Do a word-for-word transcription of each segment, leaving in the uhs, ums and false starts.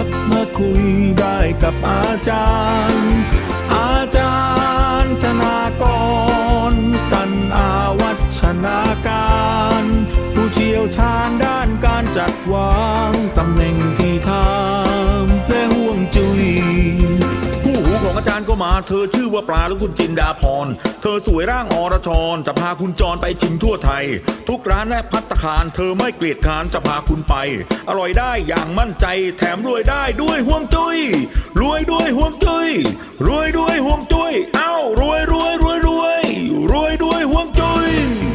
กมาคุยได้กับอาจารย์อาจารย์ธนากรตันอาวัชนาการผู้เชี่ยวชาญด้านการจัดวางตำแหน่งที่ทำและห่วงจุยผู้หูของอาจารย์ก็มาเธอชื่อว่าปลาและคุณจินดาพรเธอสวยร่างอรชรจะพาคุณจรไปชิมทั่วไทยทุกร้านและภัตตาคารเธอไม่เกลียดค้านจะพาคุณไปอร่อยได้อย่างมั่นใจแถมรวยได้ด้วยห่วงจุ้ยรวยด้วยห่วงจุ้ยรวยด้วยห่วงจุ้ยเอ้ารวยรวยรวยรวยรวยด้วยห่วงจุ้ย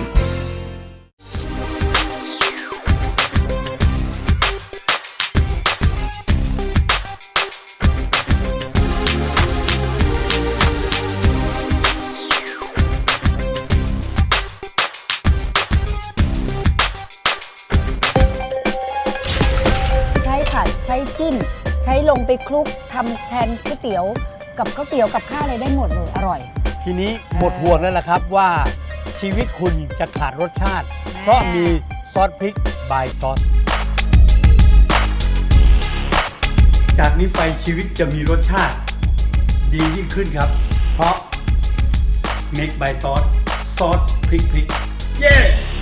ใช้จิ้มใช้ลงไปคลุกทำแทนก๋วยเตี๋ยวกับก๋วยเตี๋ยวกับข้าวอะไรได้หมดเลยอร่อยทีนี้หมดห่วงแล้วล่ะครับว่าชีวิตคุณจะขาดรสชาติเพราะมีซอสพริกบายซอสจากนี้ไปชีวิตจะมีรสชาติดียิ่งขึ้นครับเพราะ Make by ซอสซอสพริกพริกเย้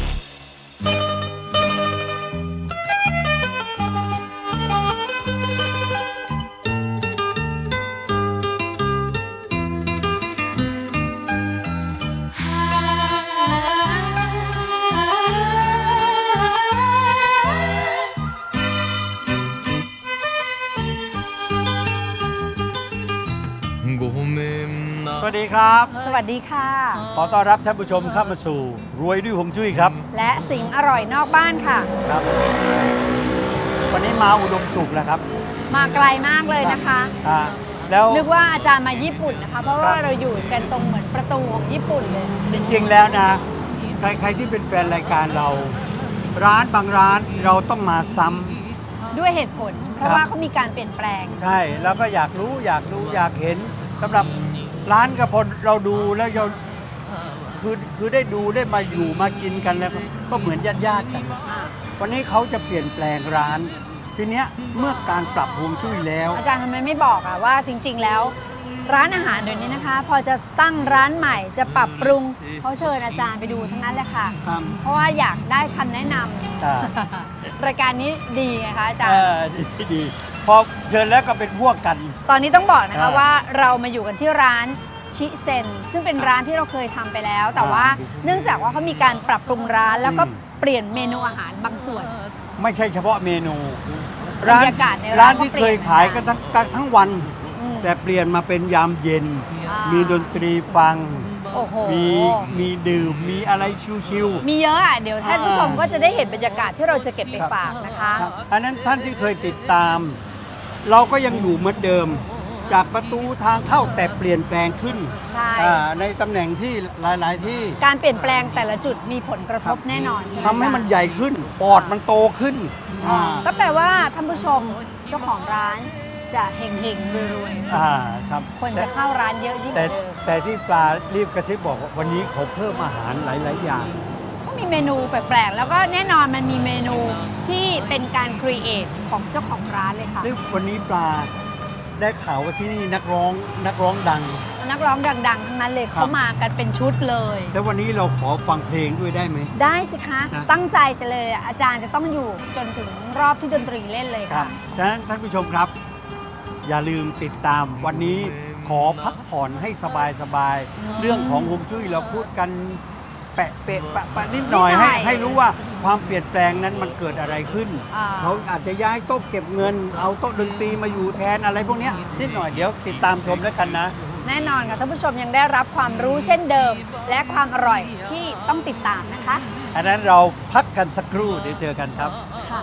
สวัสดีครับสวัสดีค่ะขอต้อนรับท่านผู้ชมเข้ามาสู่รวยด้วยฮวงจุ้ยครับและสิ่งอร่อยนอกบ้านค่ะครับวันนี้มาอุดมสุขแล้วครับมาไกลมากเลยนะคะแล้วนึกว่าอาจารย์มาญี่ปุ่นนะคะเพราะว่าเราอยู่กันตรงเหมือนประตูของญี่ปุ่นเลยจริงๆแล้วนะใครใครที่เป็นแฟนรายการเราร้านบางร้านเราต้องมาซ้ำด้วยเหตุผลเพราะว่าเขามีการเปลี่ยนแปลงใช่แล้วก็อยากรู้อยากดูอยากเห็นสำหรับร้านกระพลเราดูแล้วเราคือคือได้ดูได้มาอยู่มากินกันแล้วก็เหมือนญาติญาติกันวันนี้เขาจะเปลี่ยนแปลงร้านทีเนี้ยเมื่อการปรับฮวงจุ้ยแล้วอาจารย์ทำไมไม่บอกอะว่าจริงๆแล้วร้านอาหารเดี๋ยวนี้นะคะพอจะตั้งร้านใหม่จะปรับปรุงเขาเชิญอาจารย์ไปดูทั้งนั้นแหละค่ะเพราะว่าอยากได้คำแนะนำรายการนี้ดีไงคะอาจารย์ดีดีพอเชิญแล้วก็เป็นพวกกันตอนนี้ต้องบอกนะคะว่าเรามาอยู่กันที่ร้านชิเซนซึ่งเป็นร้านที่เราเคยทำไปแล้วแต่ว่าเนื่องจากว่าเขามีการปรับปรุงร้านแล้วก็เปลี่ยนเมนูอาหารบางส่วนไม่ใช่เฉพาะเมนูบรรยากาศในร้านที่เคยขายกันทั้งทั้งวันแต่เปลี่ยนมาเป็นยามเย็นมีดนตรีฟังมีมีดื่มมีอะไรชิวๆมีเยอะอ่ะเดี๋ยวท่านผู้ชมก็จะได้เห็นบรรยากาศที่เราจะเก็บไปฝากนะคะอันนั้นท่านที่เคยติดตามเราก็ยังอยู่เหมือนเดิมจากประตูทางเข้าแต่เปลี่ยนแปลงขึ้นใช่ในตำแหน่งที่หลายๆที่การเปลี่ยนแปลงแต่ละจุดมีผลกระทบแน่นอนทำให้มันใหญ่ขึ้นปอดมันโตขึ้นก็แปลว่าท่านผู้ชมเจ้าของร้านจะเฮงเฮงรวยๆคนจะเข้าร้านเยอะยิ่งกว่าเดิมแต่ที่ปลารีบกระซิบบอกวันนี้เขาเพิ่มอาหารหลายๆอย่างก็มีเมนูแปลกๆแล้วก็แน่นอนมันมีเมนูที่เป็นการครีเอทของเจ้าของร้านเลยค่ะวันนี้ปลาได้ข่าวว่าที่นี่นักร้องนักร้องดังนักร้องดังๆทั้งนั้นเลยเขามากันเป็นชุดเลยแล้ววันนี้เราขอฟังเพลงด้วยได้ไหมได้สิคะตั้งใจจะเลยอาจารย์จะต้องอยู่จนถึงรอบที่ดนตรีเล่นเลยค่ะฉะนั้นท่านผู้ชมครับอย่าลืมติดตามวันนี้ขอพักผ่อนให้สบายๆเรื่องของฮวงจุ้ยเราพูดกันแปะเปะปะปะนิดหน่อยให้ให้รู้ว่าความเปลี่ยนแปลงนั้นมันเกิดอะไรขึ้นเขาอาจจะย้ายโต๊ะเก็บเงินเอาโต๊ะดนตรีมาอยู่แทนอะไรพวกนี้นิดหน่อยเดี๋ยวติดตามชมแล้วกันนะแน่นอนค่ะท่านผู้ชมยังได้รับความรู้เช่นเดิมและความอร่อยที่ต้องติดตามนะคะอันนั้นเราพักกันสักครู่เดี๋ยวเจอกันครับ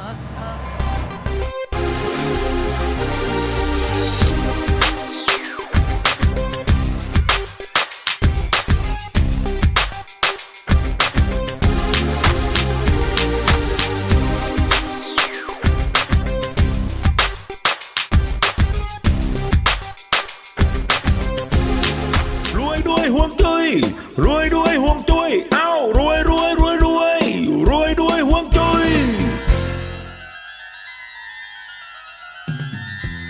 ห่วงจุ้ยรวยด้วยห่วงจุ้ยเอ้ารวยรวยรวยรวยรวยด้วยห่วงจุ้ย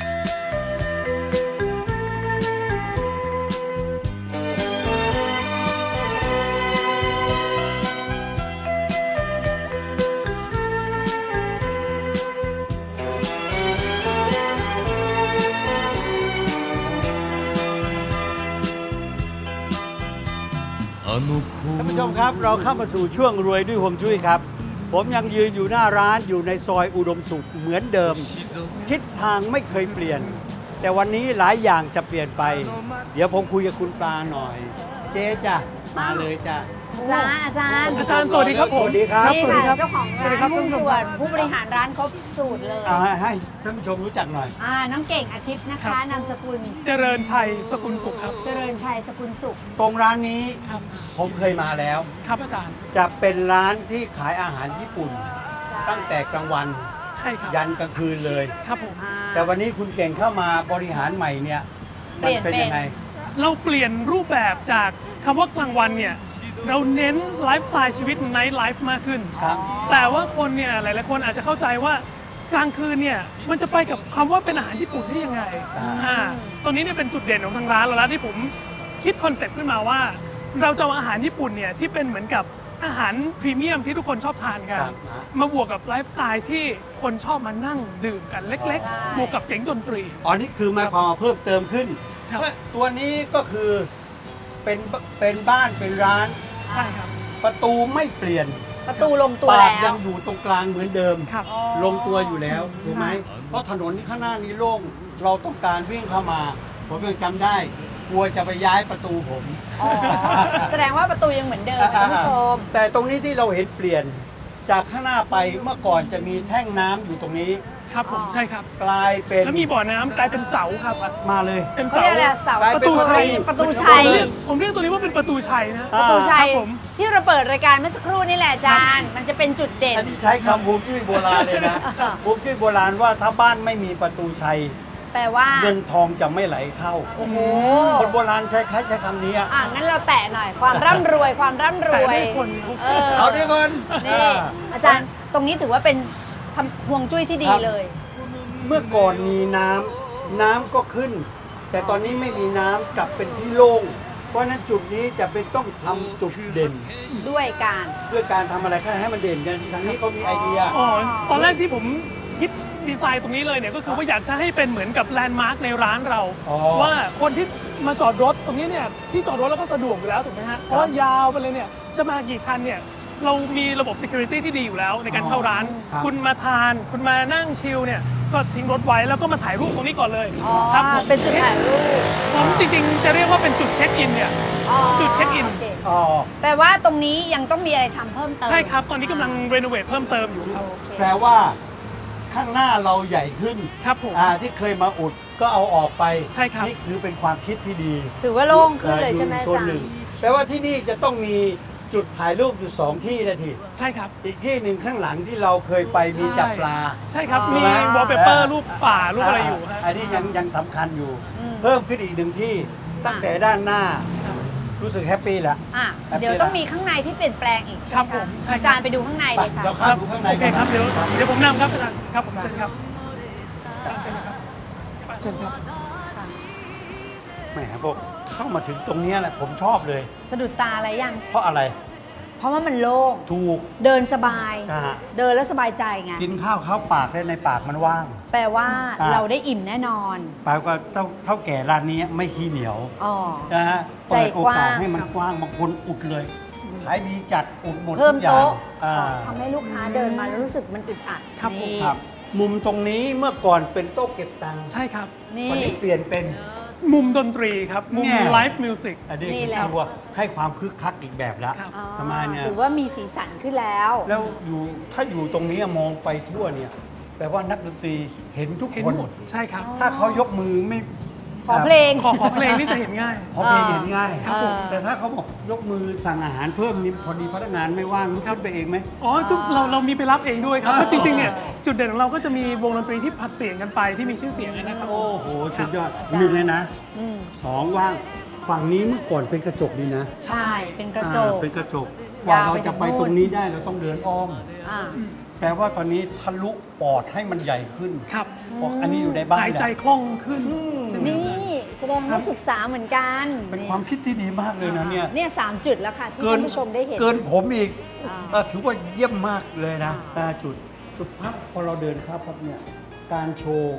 ท่านผู้ชมครับเราเข้ามาสู่ช่วงรวยด้วยฮวงจุ้ยครับ ผมยังยืนอยู่หน้าร้านอยู่ในซอยอุดมสุขเหมือนเดิม ทิศทางไม่เคยเปลี่ยน แต่วันนี้หลายอย่างจะเปลี่ยนไป เดี๋ยวผมคุยกับคุณปลาหน่อย เจ๊จ้ะมาเลยจ้ะจ้าอาจารย์อาจารย์สวัสดีครับผมสวัสดีครับนี่สวัสดีครัค่ะบเจ้าของสวัสดีร้านครับหุ้นท่านผู้ชมส่วนผู้บริหารร้านครบสูตรเลยเอาให้ให้ท่านผู้ชมรู้จักหน่อยอ่าน้องเก่งอาทิตย์นะคะนามสกุลเจริญชัยสกุลสุขครับเจริญชัยสกุลสุขตรงร้านนี้ครับผมเคยมาแล้วครับอาจารย์จะเป็นร้านที่ขายอาหารญี่ปุ่น ตั้งแต่กลางวันใช่ครับยันกลางคืนเลยครับผมอ่าแต่วันนี้คุณเก่งเข้ามาบริหารใหม่เนี่ยเปลี่ยนเป็นยังไงเราเปลี่ยนรูปแบบจากคำว่ากลางวันเนี่ยเราเน้นไลฟ์สไตล์ชีวิตไนท์ไลฟ์มากขึ้นครับแต่ว่าคนเนี่ยหลายๆคนอาจจะเข้าใจว่ากลางคืนเนี่ยมันจะไปกับคำว่าเป็นอาหารญี่ปุ่นได้ยังไงอ่าอ่าตรงนี้เนี่ยเป็นจุดเด่นของทางร้านเราแล้วที่ผมคิดคอนเซ็ปต์ขึ้นมาว่า เราจะเอาอาหารญี่ปุ่นเนี่ยที่เป็นเหมือนกับอาหารพรีเมียมที่ทุกคนชอบทานกันครับมาบวกกับไลฟ์สไตล์ที่คนชอบมานั่งดื่มกันเล็กใช่ๆ บวกกับเสียงดนตรีอ๋อนี่คือหมายความว่าเพิ่มเติมขึ้นครับตัวนี้ก็คือเป็นเป็นบ้านเป็นร้านใช่ครับประตูไม่เปลี่ยนประตูลงตัวปาแล้กยัวงอยู่ตรงกลางเหมือนเดิมครับอ๋อลงตัวอยู่แล้วถูกไหมเพราะถนนที่ข้างหน้านี้โล่งเราต้องการวิ่งเข้ามา ผมยังจำได้กลัวจะไปย้ายประตูผมอ๋อแสดงว่าประตูยังเหมือนเดิมค่ะท่านผู้ชมแต่ตรงนี้ที่เราเห็นเปลี่ยนจากข้างหน้าไปเมื่อก่อนจะมีแท่งน้ำอยู่ตรงนี้ครับผมใช่ครับกลายเป็นแล้วมีบ่อน้ำกลายเป็นเสาครับมาเลยเป็นเขาเสาเรียกอะไรเสากลายประเป็นตูชัยประตูประตูชัยผมเรียกตัวนี้ว่าเป็นประตูชัยนะอ่าประตูชัยครับผมที่เราเปิดรายการเมื่อสักครู่นี่แหละอาจารย์ มันจะเป็นจุดเด่นอันนี้ใช้คำฮวงจุ้ยโบราณเลยนะอ่าฮวงจุ้ยโบราณว่าถ้าบ้านไม่มีประตูชัยแปลว่าเงินทองจะไม่ไหลเข้าโอ้โหคนโบราณใช้ใช้ใช้คำนี้อะอ่ะงั้นเราแตะหน่อย ความร่ำรวยความร่ำรวยแตะด้วยคนเออเอาด้วยคนนี่อาจารย์ตรงนี้ถือว่าเป็นทำห่วงจุ้ยที่ดีเลยเมื่อก่อนมีน้ำน้ำก็ขึ้น แต่ตอนนี้ไม่มีน้ำกลับเป็นที่โล่งเพราะฉะนั้นจุดนี้จะเป็นต้องทำจุดเด่นด้วยการด้วยการทำอะไรให้มันเด่นกันทางนี้เขามีไอเดียอ๋อตอนแรกที่ผมคิดดีไซน์ตรงนี้เลยเนี่ยก็คือว่าอยากจะให้เป็นเหมือนกับแลนด์มาร์คในร้านเราอ๋อว่าคนที่มาจอดรถตรงนี้เนี่ยที่จอดรถแล้วก็สะดวกอยู่แล้วถูกไหมฮะเพราะว่ายาวไปเลยเนี่ยจะมากี่คันเนี่ยเรามีระบบ security ที่ดีอยู่แล้วในการเข้าร้านครับคุณมาทาน คุณมานั่งชิลเนี่ยก็ทิ้งรถไว้แล้วก็มาถ่ายรูปตรงนี้ก่อนเลยอ๋อครับผมเป็นจุดถ่ายรูปผมจริงๆ จะเรียกว่าเป็นจุดเช็คอินเนี่ยอ๋อจุดเช็คอินโคอ๋อแปลว่าตรงนี้ยังต้องมีอะไรทำเพิ่มเติมใช่ครับ ตอนนี้กำลังรีโนเวทเพิ่มเติมอยู่ครับโอเคแปลว่าข้างหน้าเราใหญ่ขึ้นครับผมอ่าที่เคยมาอุดก็เอาออกไปใช่ครับนี่คือเป็นความคิดที่ดีถือว่าโล่งขึ้นเลยใช่ไหมออาโซนจารหนึ่งย์แปลว่าที่นี่จะต้องมีจุดถ่ายรูปอยู่สองที่นะทีใช่ครับอีกที่หนึ่งข้างหลังที่เราเคยไปมีจับปลาใช่ครับอ๋อมีวอลเปเปอร์รูปป่ารูปอะไรอยู่ฮะอันนี้ยังยังสำคัญอยู่อืมเพิ่มขึ้นอีกหนึ่งที่ตั้งแต่ด้านหน้า รู้สึกแฮปปี้แล้วอ่ะครับเดี๋ยวต้องมีข้างในที่เปลี่ยนแปลงอีกใช่ครัไหมบผคะมใช่ครับอาจารย์ไปดูข้างในเลยค่ะเราคเข้ารับดูข้างในโอเคครับก่เดี๋ยวอนเดี๋ยวผมนำครับอาจารย์ครับผมเชิญครับเชิญครับเชิญครับแหมบอกเข้ามาถึงตรงเนี้ยแหละผมชอบเลยสะดุดตาอะไรยังเพราะอะไรเพราะว่ามันโล่งถูกเดินสบายอ่าเดินแล้วสบายใจไงกินข้าวเข้าปากได้ในปากมันว่างแปลว่าอ่าเราได้อิ่มแน่นอนแปลว่าเท่าเท่าแก่ร้านนี้ไม่ขี้เหนียวอ๋อนะฮะใจเปิดโอกาสกว้างให้มันกว้างบางคนอุดเลยขายดีจัดอุดหมดเพิ่ทุมกอย่างโต๊ะอ่าทำให้ลูกค้าเดินมาแล้วรู้สึกมันอึดอัดครับผมนี่ครับ มุมตรงนี้เมื่อก่อนเป็นโต๊ะเก็บตังค์ใช่ครับนี่วันนี้เปลี่ยนเป็นมุมดนตรีครับ มุมเนี่ยไลฟ์มิวสิกอันนี้นี่แหละคือว่าให้ความคึกคักอีกแบบแล้วครับอ๋อทำไมเนี่ยถือว่ามีสีสันขึ้นแล้วแล้วอยู่ถ้าอยู่ตรงนี้มองไปทั่วเนี่ยแปลว่านักดนตรีเห็นทุกเห็นคนหมดใช่ครับถ้าเขายกมือไม่ขอเพลงขอขอเพลงนี่จะเห็นง่ายขอเพลงเห็นง่ายครับผมแต่ถ้าเขาบอกยกมือสั่งอาหารเพิ่มนี่พอดีพนักงานไม่ว่างลุกขึ้นไปเองไหมอ๋อทุกเราเรามีไปรับเองด้วยครับอ๋อเพราะจริงๆเนี่ยจุดเด่นของเราก็จะมีวงดนตรีที่ผลัดเปลี่ยนกันไปที่มีชื่อเสียงนะครับโอ้โหสุดยอดหนึ่งเลยนะอืมสองว่างฝั่งนี้เมื่อก่อนเป็นกระจกดีนะใช่ เป็นกระจกอ่าเป็นกระจกกว่าเราจะไปตรงนี้ได้เราต้องเดินอ้อมอ่าแปลว่าตอนนี้ทะลุปอดให้มันใหญ่ขึ้นครับบอกอันนี้อยู่ในบ้านหายใจเนี่ยคล่องขึ้นนี่แสดงว่าศึกษาเหมือนกันเป็นความคิดที่ดีมากเลยนะเนี่ยเนี่ยสามจุดแล้วค่ะ ที่ท่านผู้ชมได้เห็นเกินผมอีกอ่าเออถือว่าเยี่ยมมากเลยนะอ่าจุดจุดพักพอเราเดินเข้าพับเนี่ยการโชว์ค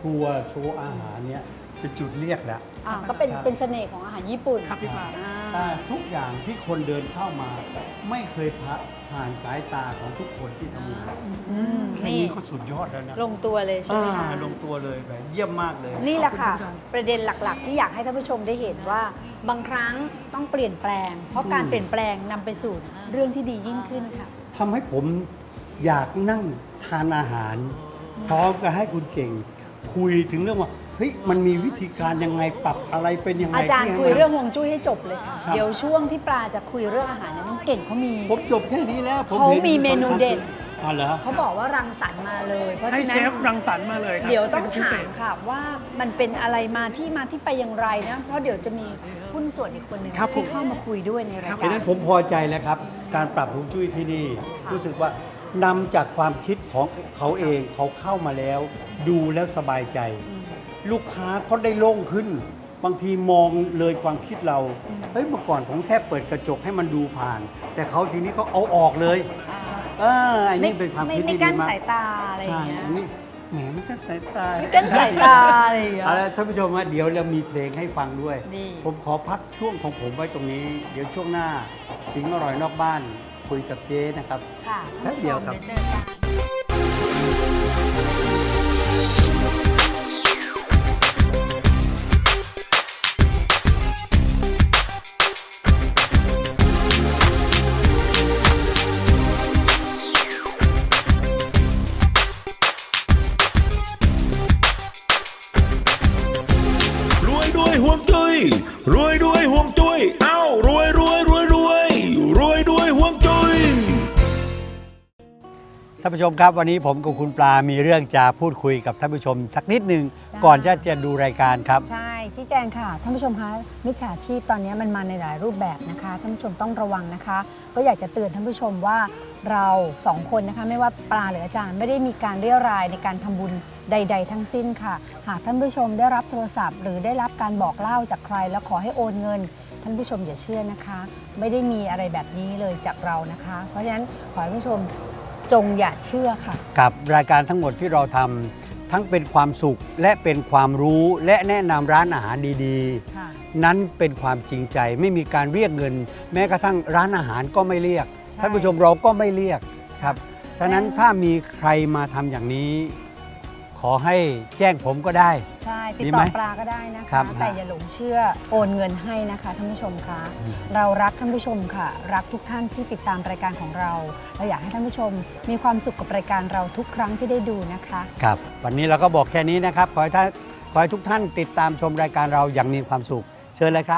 ครัวโชว์อาหารเนี่ยเป็นจุดเรียกแล้วอ่าก็เป็นครับเป็นเสน่ห์ของอาหารญี่ปุ่นครับพี่ปลาอ่าแต่ทุกอย่างที่คนเดินเข้ามาไม่เคยผ่าผ่านสายตาของทุกคนที่ทำงานอืมแค่นี่นี้ก็สุดยอดแล้วนะลงตัวเลยใช่ไหมคะอ่าลงตัวเลยแบบเยี่ยมมากเลยนี่แหละค่ะขอบคุณอาจารย์ประเด็นหลักๆ ที่อยากให้ท่านผู้ชมได้เห็นว่าบางครั้งต้องเปลี่ยนแปลง เพราะการเปลี่ยนแปลงนำไปสู่เรื่องที่ดียิ่งขึ้นค่ะทำให้ผมอยากนั่งทานอาหาร พร้อมกับให้คุณเก่ง คุยถึงเรื่องว่าเฮ้ยมันมีวิธีการยังไงปรับอะไรเป็นยังไงอาจารย์ที่ให้คุยมันเรื่องฮวงจุ้ยให้จบเลยค่ะครับเดี๋ยวช่วงที่ปลาจะคุยเรื่องอาหารเนี่ยน้องเก่งเขามีผมจบแค่นี้แล้วผมเขาห็นมีเมนูเด็ดอ๋อเหรอเขาบอกว่ารังสรรค์มาเลย เพราะให้ฉะเชนั้นฟรังสรรค์มาเลยครับเดี๋ยวต้องป็นพิถาเศมษค่ะว่ามันเป็นอะไรมาที่มาที่ไปอย่างไรนะ เพราะเดี๋ยวจะมีหุ้นส่วนอีกคนหนึ่งครับผมที่เข้ามาคุยด้วยในรายเพราะกาฉะรนั้นผมพอใจแล้วครับ การปรับฮวงจุ้ยที่นี่ค่ะรู้สึกว่านำจากความคิดของเขาเองเขาเข้ามาแล้ว ดูแล้วสบายใจ ลูกค้าเขาได้โล่งขึ้น บางทีมองเลยความคิดเราเฮ้ยเมื่อก่อนผมแค่เปิดกระจกให้มันดูผ่าน แต่เขาทีนี้เขาเอาออกเลยอ่าเอออันนี้เป็นความไม่คิดไม่ที่กั้ดีนมากสายตาอะไรอย่าใช่งเงี้ยอันนี้แหมไม่กั้นสายตาไม่กั้นสายตาอะไรอย่างเงี้ยเอาละท่านผู้ชมว่าเดี๋ยวเรามีเพลงให้ฟังด้วยดีผมขอพักช่วงของผมไว้ตรงนี้ เดี๋ยวช่วงหน้าสิงห์อร่อยนอกบ้าน คุยกับเจ๊นะครับค่ะแป๊ท่านบผู้เดีชยวมครับเดี๋ยวเจอกันรวยด้วยห่วงจุ้ยรวยด้วยห่วงจุ้ยเอ้ารวยรวยรวยรวยรวยด้วยห่วงจุ้ยท่านผู้ชมครับวันนี้ผมกับคุณปลามีเรื่องจะพูดคุยกับท่านผู้ชมสักนิดหนึ่งได้ก่อนจะจะดูรายการครับใช่ชี้แจงค่ะท่านผู้ชมคะมิจฉาชีพตอนนี้มันมาในหลายรูปแบบนะคะท่านผู้ชมต้องระวังนะคะ ก็อยากจะเตือนท่านผู้ชมว่าเราสองคนนะคะไม่ว่าปลาหรืออาจารย์ไม่ได้มีการเรียรายในการทำบุญใด ๆ ทั้งสิ้นค่ะ หากท่านผู้ชมได้รับโทรศัพท์ หรือได้รับการบอกเล่าจากใคร แล้วขอให้โอนเงิน ท่านผู้ชมอย่าเชื่อนะคะ ไม่ได้มีอะไรแบบนี้เลยจากเรานะคะ เพราะฉะนั้นขอให้ท่านผู้ชมจงอย่าเชื่อค่ะกับรายการทั้งหมดที่เราทำทั้งเป็นความสุขและเป็นความรู้และแนะนำร้านอาหารดีค่ะๆ นั้นเป็นความจริงใจไม่มีการเรียกเงิน แม้กระทั่งร้านอาหารก็ไม่เรียกใช่ท่านผู้ชมเราก็ไม่เรียกครับฉะนั้นถ้ามีใครมาทำอย่างนี้ ขอให้แจ้งผมก็ได้ใช่ติดดีต่ไหมอปลาก็ได้นะครัคะบแต่อย่าหลงเชื่อโอนเงินให้นะคะท่านผู้ชมคะเรารักท่านผู้ชมค่ะ รักทุกท่านที่ติดตามรายการของเราเราอยากให้ท่านผู้ชมมีความสุขกับรายการเราทุกครั้งที่ได้ดูนะคะครับวันนี้เราก็บอกแค่นี้นะครับ ขอให้ท่านขอให้ทุกท่านติดตามชมรายการเราอย่างมีความสุข เชิญเลยครับ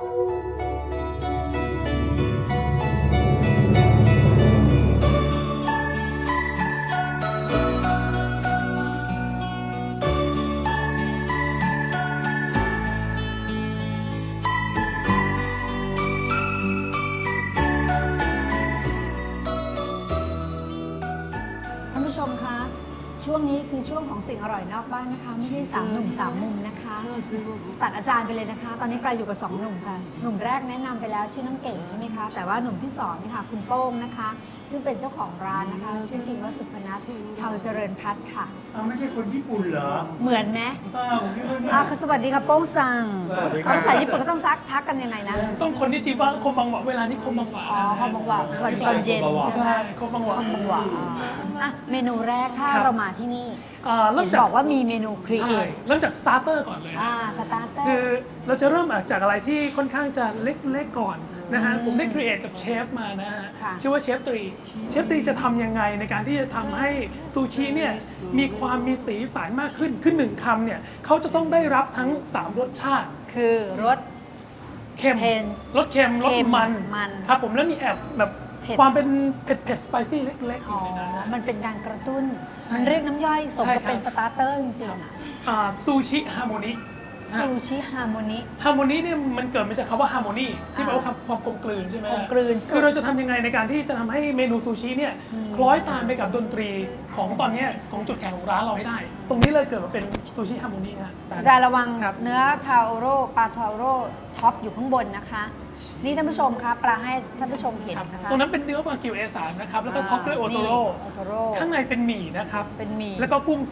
ท่านผู้ชมคะช่วงนี้คือช่วงของสิ่งอร่อยนอกบ้านนะคะ ไม่ใช่สามหนุ่มสามมุมนะคะ ตัดอาจารย์ไปเลยนะคะ ตอนนี้ปลาอยู่กับสองหนุ่มค่ะ หนุ่มแรกแนะนำไปแล้วชื่อน้องเก่งใช่ไหมคะ แต่ว่าหนุ่มที่สองนี่ค่ะคุณโป้งนะคะ ซึ่งเป็นเจ้าของร้านนะคะชื่อจริงว่าสุพนัสชาวเจริญพัฒน์ค่ะไม่ใช่คนญี่ปุ่นเหรอเหมือนไหมอ้าวผมคิดว่าอ่ะสวัสดีค่ะโป้งซังสวัสดีครับภาษาญี่ปุ่นก็ต้องซักทักกันยังไงนะต้องคนที่จีบว่าคมบังหวะเวลานี้คมบังหวะอ๋อคอมบังหวะสวัสดีตอนเย็นใช่ไหมใช่คมบังหวะคอมบังหวะอ่าอ่ะเมนูแรกถ้าครับเรามาที่นี่อ่าเริ่เห็มนจากบอกว่ามีเมนูครีเอใช่ทเริ่มจากสตาร์เตอร์ก่อนเลยอ่าสตาร์เตอคือร์เราจะเริ่มจากอะไรที่ค่อนข้างจะเล็กๆก่อนนะฮะอืมผมได้ครีเอทกับเชฟมานะฮะค่ะชื่อว่าเชฟตรีเชฟตรีจะทำยังไงในการที่จะทำให้ซูชิเนี่ยมีความมีสีสันมากขึ้นคือหนึ่งคำเนี่ยเขาจะต้องได้รับทั้งสามรสชาติคือรสเค็มเค็มรสเค็มรสเค็มมันมันครับผมแล้วมีแอบแบบเผ็ดความเป็นเผ็ดเผ็ดสไปซี่เล็กๆออ๋อยู่ในนั้นนะมันเป็นการกระตุ้นใช่มันเรียกน้ำย่อยสมใช่กับครับเป็นสตาร์เตอร์จริงๆอะอ่าซูชิฮาร์โมนีซูชิฮาร์โมนิฮาร์โมนีเนี่ยมันเกิดมาจากคำว่าฮาร์โมนีที่แปลว่าความความกลมกลืนใช่ไหมกลมกลืนคือเราจะทำยังไงในการที่จะทำให้เมนูซูชิเนี่ยคล้อยตามไปกับดนตรีของตอนเนี้ยของจุดแข็งของร้านเราให้ได้ ตรงนี้เลยเกิดมาเป็นซูชิฮาร์โมนีนะอาจารย์ระวังครับเนื้อทาโอโร่ปลาทาโอโร่ท็อปอยู่ข้างบนนะคะ นี่ท่านผู้ชมคะปลาให้ท่านผู้ชมเห็นครับนะคะตรงนั้นเป็นเนื้อวากิว เอ สาม นะครับแล้วก็ท็อปด้วยโอโทโร่นี่โอโทโร่ข้างในเป็นหมี่นะครับเป็นหมี่แล้วก็กุ้งสับ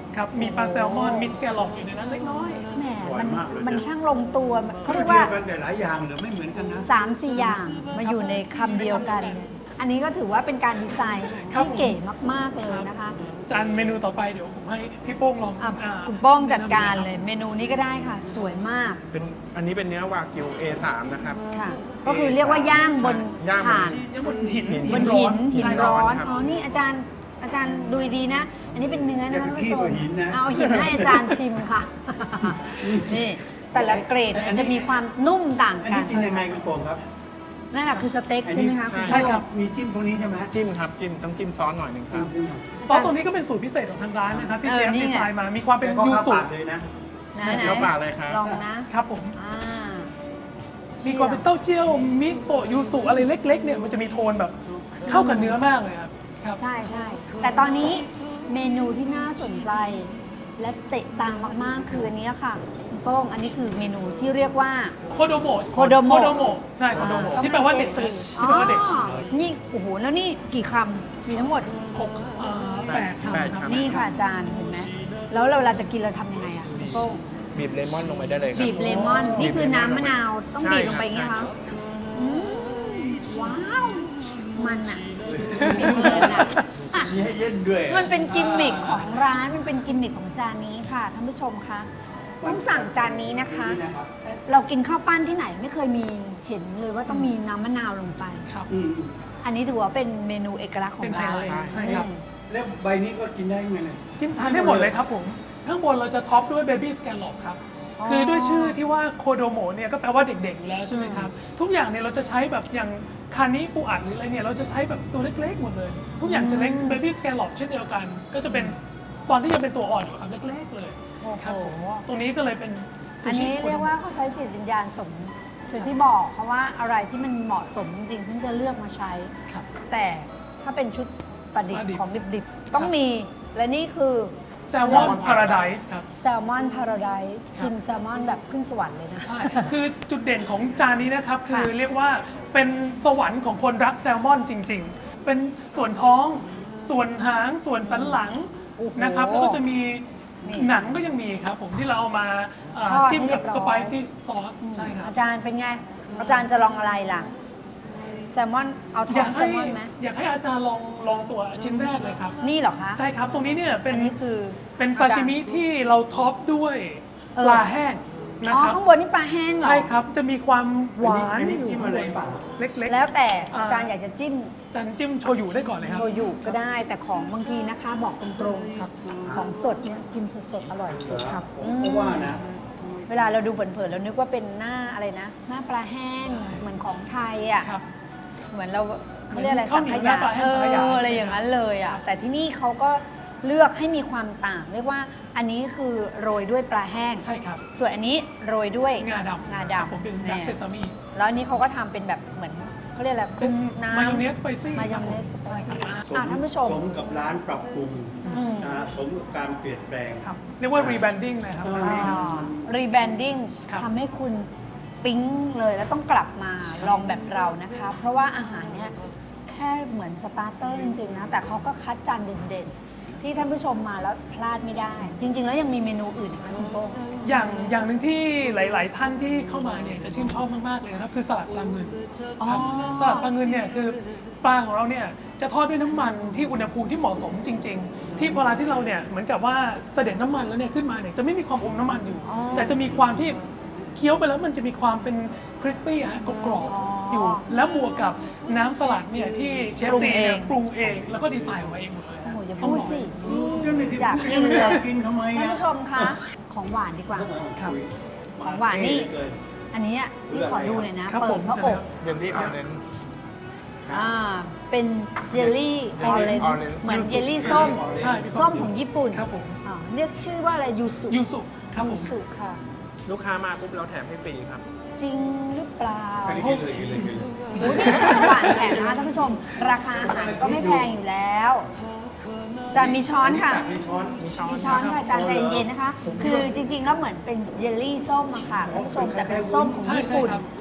ครับ มีปลาแซลมอน มีสแกลลอปอยู่ในนั้นเล็กน้อยแหมอร่อยมันมากเลยนะมันช่างลงตัวเขาเรีเรียยกกว่าว่ากันแต่หลายอย่างเหรือไม่เหมือนกันนะสามสี่อย่างมาอยู่ในคำเดียวกันเนี่ยอันนี้ก็ถือว่าเป็นการดีไซน์ครับที่เก๋มาก ๆ เลยนะคะจานเมนูต่อไปเดี๋ยวผมให้พี่โป้งลองอ่ะอ่าคุณโป้งจัดการเลย เมนูนี้ก็ได้ค่ะ สวยมากเป็นอันนี้เป็นเนื้อวากิว เอ สาม นะครับค่ะ ก็คือเรียกว่าย่างบนย่างบนถ่านยังบนหินบนหินหินใช่คบร้อนครับอ๋อ นี่อาจารย์อาจารย์ดูดีๆนะ อันนี้เป็นเนื้อนะคะท่านผู้ชมอย่าไปขี้กว่าหินนะเอาหินให้อาจารย์ชิมค่ะ นี่แต่ละเกรดเนี่ยจะมีความนุ่มต่างอันกันี้นกินยังไงคุณโป่งครับนั่นแหละคือสเต็กใช่ไหมคะใช่ใช่ครับมีจิ้มตรงนี้ใช่ไหมจิ้มครับจิ้มต้องจิ้มซอสหน่อยหนึ่งครับซอสตัวนี้ก็เป็นสูตรพิเศษของทางร้านนะครับที่เอเชอฟนี่ดีไงไซน์มา มีความเป็นก็ยูข้าวสุปากเลยนะนะไหนเดี๋ยวปากเลยครับลองนะครับผมอ่ามีความเป็นเต้าเจี้ยวมิโซะยูสุอะไรเล็กๆเนี่ยมันจะมีโทนแบบเข้ากับเนื้อมากเลยครับครับใช่ใช่แต่ตอนนี้เมนูที่น่าสนใจ และเตะตามากๆคืออันนี้ค่ะคุณโป้งอันนี้คือเมนูที่เรียกว่าโคโดโมะโคโดโมะโคโดโมะใช่โคโดโมะที่แปลว่าเด็กอ๋ที่อแปลว่าเด็กนี่โอ้โหแล้วนี่กี่คำมีทั้งหมดหกเอ่อแปดแปดคำครับนี่ค่ะอาจารย์เห็นไหมแล้วเราเราจะกินเราทำยังไงอ่ะคุณโป้งบีบเลมอนลงไปได้เลยครับบีบเลมอน นี่คือน้ำมะนาวต้องใช่บีบลงไปอย่างครันี้บคะอืมว้าว มันอ่ะมีเพลินอ่ะอ่ะมีให้เล่นด้วยมันเป็นกิมมิคของร้านมันเป็นกิมมิคของจานนี้ค่ะท่านผู้ชมคะต้องสั่งจานนี้นะคะนี่นะครับเรากินข้าวปั้นที่ไหนไม่เคยมีเห็นเลยว่าต้องมีน้ำมะนาวลงไปครับอืมอันนี้ถือว่าเป็นเมนูเอกลักษณ์ของร้านเลยเป็นไฮไลท์ใช่ครับอืมแล้วใบนี้ก็กินได้ไหมเนี่ยกินทานได้หมดเลยครับผม ข้างบนเราจะท็อปด้วยเบบี้สแกนล o ครับ คือด้วยชื่อที่ว่าโคโดโมะเนี่ยก็แปลว่าเด็กๆอยู่แล้วใช่ไหมครับ ทุกอย่างเนี่ยเราจะใช้แบบอย่างคานิปูอัดหรืออะไรเนี่ยเราจะใช้แบบตัวเล็กๆหมดเลย ทุกอย่างจะเล็กเบบี้สแกนล o เช่นเดียวกัน ก็จะเป็นตอนที่ยังเป็นตัวอ่อนอยู่ครับเล็กๆเลยโอ้โหครับผมตรงนี้ก็เลยเป็นซูอันชินี้โคเรีโดยกโมะว่าเขาใช้จิตวิญญาณสมสิ่งที่บอก เพราะว่าอะไรที่มันเหมาะสมจริงๆถึงจะเลือกมาใช้ครับแต่ถ้าเป็นชุดประดิษประดิษฐ์ฐ์ของดิบๆ ต้องมี และนี่คือแซลมอนพาราไดส์ครับแซลมอนพาราไดซ์ครับกินแซลมอนแบบขึ้นสวรรค์เลยนะใช่ คือจุดเด่นของจานนี้นะครับ คือค่ะเรียกว่าเป็นสวรรค์ของคนรักแซลมอนจริง ๆ เป็นส่วนท้อง ส่วนหาง ส่วนสันหลังโอ้โหนะครับ แล้วก็จะมีนี่หนังก็ยังมีครับผมที่เราเอามาเอ่อทอดจิ้มให้เรีกัยบบร้อยสไปซี่ซอสใช่ครับอาจารย์เป็นไง อาจารย์จะลองอะไรล่ะ แซลมอน เอาท้อยอาง กแซให้ลมอนไหมอยากให้อาจารย์ลองลองตัวชิ้นแรกเลยครับนี่เหรอคะใช่ครับ ตรงนี้เนี่ยเป็นอันนี้คือเป็นซาชิมิที่เราท็อปด้วยเออปลาแห้งนะอ๋อครับข้างบนนี่ปลาแห้งเหรอใช่ครับ จะมีความหวานอันนี้อยู่จิ้มอะไรเปล่าเล็กๆแล้วแต่อ่าอาจารย์อยากจะจิ้มจานจิ้มโชยุได้ก่อนเลยครัโชบยุก็ได้แต่ของบางทีนะคะ บอกตรงๆครับของสดเนี่ยกินสดๆอร่อยสุดครับผมก็ว่านะเวลาเราดูเผินๆเรานึกว่าเป็นหน้าอะไรนะ หน้าปลาแห้งเหมือนของไทยอ่ะครับเหมือนเราเขาเรียกอะไรข้าสัวงเหนีขยวหน้ายาปลาแห้เองสังขยาออะไรอย่างนั้นเลยอ่ะแต่ที่นี่เขาก็เลือกให้มีความต่างเรียกว่าอันนี้คือโรยด้วยปลาแห้งใช่ครับส่วนอันนี้โรยด้วยงาดำงาครับดำผมเป็นเนี่ดักยเซซามิแล้วอันนี้เขาก็ทำเป็นแบบเหมือนเขาเรียกอะไรเป็นน้ำมายองเนสสไปซี่มายองเนสสไปซี่สมอ่ะท่านผู้ชมสมกับร้านปรับปรุงอืมนะสมกับการเปลี่ยนแปลงครับเรียกว่ารีแบรนดิ้งเลยครับอ่าร้านนี้รีแบรนดิ้งครับทำให้คุณปิ๊งเลยแล้วต้องกลับมาลองแบบเรานะคะ เพราะว่าอาหารเนี่ยแค่เหมือนสตาร์เตอร์จริงๆนะ แต่เขาก็คัดจานเด่นๆ ที่ท่านผู้ชมมาแล้วพลาดไม่ได้ จริง ๆ แล้วยังมีเมนูอื่นอีกไหมคุณโป้งอย่างอย่างหนึ่งที่หลาย ๆ ท่านที่เข้ามาเนี่ยจะชื่นชอบมาก ๆ เลยนะครับ คือสลัดปลาเงินอ๋อครับสลัดปลาเงินเนี่ยคือปลาของเราเนี่ยจะทอดด้วยน้ำมันที่อุณหภูมิที่เหมาะสมจริง ๆ ที่เวลาที่เราเนี่ยเหมือนกับว่าเสด็จน้ำมันแล้วเนี่ยขึ้นมาเนี่ยจะไม่มีความอมน้ำมันอยู่อ๋อแต่จะมีความที่เคี้ยวไปแล้วมันจะมีความเป็นคริสปี้ฮะกรอบอ๋อๆอยู่ แล้วบวกกับน้ำสลัดเนี่ยที่เชฟปรุงตีเองเนี่ยปรุงเองแล้วก็ดีไซน์ออกมาเองหมดเลยโอ้ฮะโหอย่าต้งพูดลงสิก็ไม่ได้อยากพูดกินเลยอยากกินทำไมท่านอ่ะผู้ชมคะของหวานดีกว่าครับของหวานนี่ อันนี้อ่ะพี่ขอดูหน่อยนะครับเปิผดมพระใช่อไหมกครับเยลลี่ออเรนจ์อ่า เป็นเจลลี่ออเรนจ์ orange เหมือนเจลลี่ส้มใช่พี่ส้มของญี่ปุ่นครับผมอ่าเรียกชื่อว่าอะไรยูสุยูสุครับผยูมสุค่ะลูกค้ามาปุ๊บเราแถมให้ฟรีครับจริงหรือเปล่าอันนี้กินเลยกินเลยกินเลยโอ้ยนี่ของหวานแถมนะคะท่านผู้ชม ราคาอาหารก็ไม่แพงอยู่แล้วจานมีช้อนค่ะมีช้อนมีช้อนมีช้อนค่ะจานใจเย็นๆนะคะ คือจริงๆแล้วเหมือนเป็นเจลลี่ส้มอะค่ะท่านผู้ชมแต่เป็นส้มของใช่ญี่ใช่ปุ่นครับ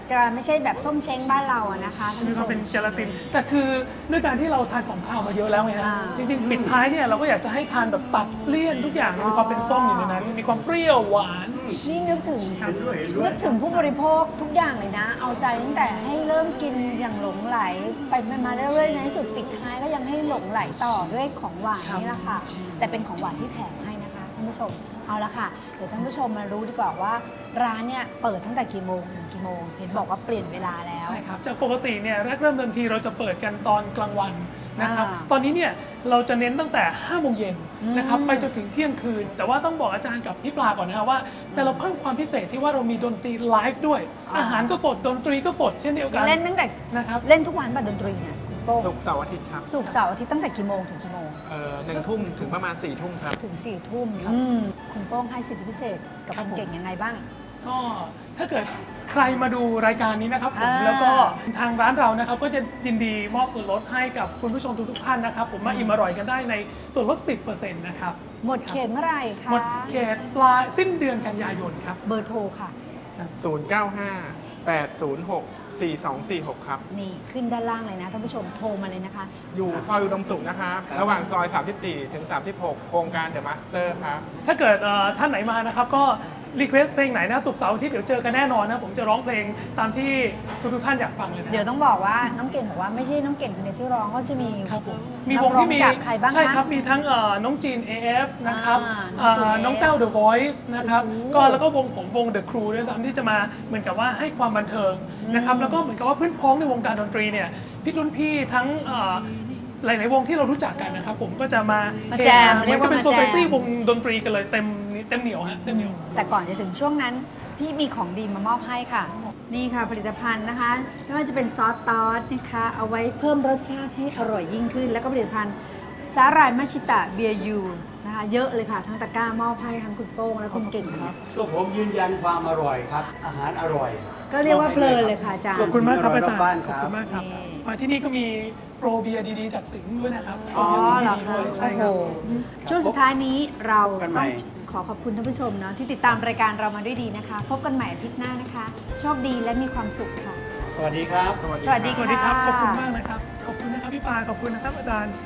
จะไม่ใช่แบบส้มเช้งบ้านเราอะนะคะท่านมีผู้คชวามมเป็นเจลาติน แต่คือด้วยการที่เราทานของข้าวมาเยอะแล้วไงฮะอ่าจริงๆปิดท้ายเนี่ยเราก็อยากจะให้ทานแบบตัดเลี่ยนทุกอย่างมีความเป็นส้มอยู่ในนั้น มีความเปรี้ยวหวานนี่นึกถึงครับนึกถึงผู้บริโภคทุกอย่างเลยนะ เอาใจตั้งแต่ให้เริ่มกินอย่างหลงไหล ไปมาเรื่อยๆในที่สุดปิดท้ายก็ยังให้หลงไหลต่อด้วยของหวานนี่แหละค่ะ แต่เป็นของหวานที่แถมให้นะคะท่านผู้ชม เอาละค่ะ เดี๋ยวท่านผู้ชมมารู้ดีกว่าว่า ร้านเนี่ยเปิดตั้งแต่กี่โมงถึงกี่โมง เห็นบอกว่าเปลี่ยนเวลาแล้วใช่ครับ จากปกติเนี่ยแรกเริ่มเดิมทีเราจะเปิดกันตอนกลางวันนะครับอ่าตอนนี้เนี่ยเราจะเน้นตั้งแต่ห้าโมงเย็นนะครับอืมไปจนถึงเที่ยงคืน แต่ว่าต้องบอกอาจารย์กับพี่ปลาก่อนนะครับว่า แต่เราเพิ่มความพิเศษที่ว่าเรามีดนตรีไลฟ์ด้วย อาหารก็สดดนตรีก็สดเช่นเดียวกันเล่นตั้งแต่นะครับเล่นทุกวันบัดดนตรีเนี่ยคุณโป้งศุกร์เสาร์อาทิตย์ครับศุกร์เสาร์อาทิตย์ตั้งแต่กี่โมงถึงกี่โมงเอ่อหนึ่งทุ่มถึงประมาณสี่ทุ่มครับถึงสี่ทุ่มอืมคุณโป้งให้สิทธิพิเศษกับคุณเก่งยังไงบ้างก็ถ้าเกิดใครมาดูรายการนี้นะครับผมอ่าแล้วก็ทางร้านเรานะครับก็จะยินดีมอบส่วนลดให้กับคุณผู้ชมทุกๆท่านนะครับ ผมมาอิ่มอร่อยกันได้ในส่วนลด สิบเปอร์เซ็นต์ นะครับหมดเขตเมื่อไหร่คะหมดเขตปลายสิ้นเดือนกันยายนครับเบอร์โทรค่ะศูนย์ เก้า ห้า แปด ศูนย์ หก สี่ สอง สี่ หก ครับนี่ขึ้นด้านล่างเลยนะท่านผู้ชมโทรมาเลยนะคะอยู่ซอยอุดมสุขนะครับ ระหว่างซอย สามสิบสี่ ถึง สามสิบหก โครงการเดอะมาสเตอร์ครับถ้าเกิดเอ่อท่านไหนมานะครับก็รีเควสเพลงไหนนะศุกร์เสาร์อาที่เดี๋ยวเจอกันแน่นอนนะผมจะร้องเพลงตามที่ทุกๆท่านอยากฟังเลยนะเดี๋ยวต้องบอกว่าน้องเก่งบอกว่าไม่ใช่น้องเก่งคนเดียวที่ร้องก็จะมีครับผมมีนัวกงร้อที่มีจากใครบ้างใช่คะครับมีทั้งเอ่อน้องจีน เอ เอฟ นะครับอ่าน้องจีนเอ่อเอน้องเอฟแต้ว The Voice นะครับโอ้โหก็แล้วก็วงผมวง The Crew ด้วยซ้ำที่จะมาเหมือนกับว่าให้ความบันเทิงนะครับแล้วก็เหมือนกับว่าเพื่อนพ้องในวงการดนตรีเนี่ยพี่รุ่นพี่ทั้งเอ่อหลาย ๆ วงที่เรารู้จักกันนะครับผมก็จะมามาแจมเหเรีมืยอก นว่ากับเป็นมาโซแจซ i ตี้มวงดนตรีกันเลยเต็มเต็มเหนียวฮะเต็มเหนียวแต่ก่อนจะถึงช่วงนั้น พี่มีของดีมามอบให้ค่ะ นี่ค่ะผลิตภัณฑ์นะคะไม่ว่าจะเป็นซอสตอสนะคะ เอาไว้เพิ่มรสชาติให้อร่อยยิ่งขึ้น แล้วก็ผลิตภัณฑ์สาหร่ายมัชชิตะเบียร์ยูนะคะเยอะเลยค่ะ ทั้งตะกร้ามอบให้ทั้งคุณโป้งและคุณเก่งครับตัวผมยืนยันความอร่อยครับ อาหารอร่อยก็เรียกว่าเพลินเลยค่ะอาจารย์ขอบคุณมากครับอาจารย์บ้านขคอบรับคุณมากครับนี่มาที่นี่ก็มีโปรเบียร์ดีๆจากสิงห์ด้วยนะครับอ๋อโปรบียร์เหรอสิงห์คะด้วยใช่คโอ้รับโหช่วงสุดท้ายนี้เราพบกันใหม่ต้องขอขอบคุณท่านผู้ชมเนาะที่ติดตามรายการเรามาด้วยดีนะคะ พบกันใหม่อาทิตย์หน้านะคะ โชคดีและมีความสุขค่ะสวัสดีครับสวัสดีสวัสดีครับ ขอบคุณมากนะครับ ขอบคุณนะครับพี่ปาขอบคุณนะครับอาจารย์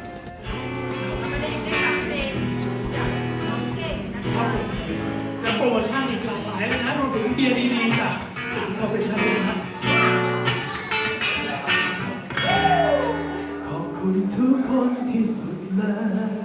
ครับผมจะโปรโมชั่นอีกหลากหลายเลยนะรวมถึงเบียร์ดีๆจากสิงห์คอร์ปอเรชั่นด้วยนะครับขอบคุณทุกคนที่สุดเลย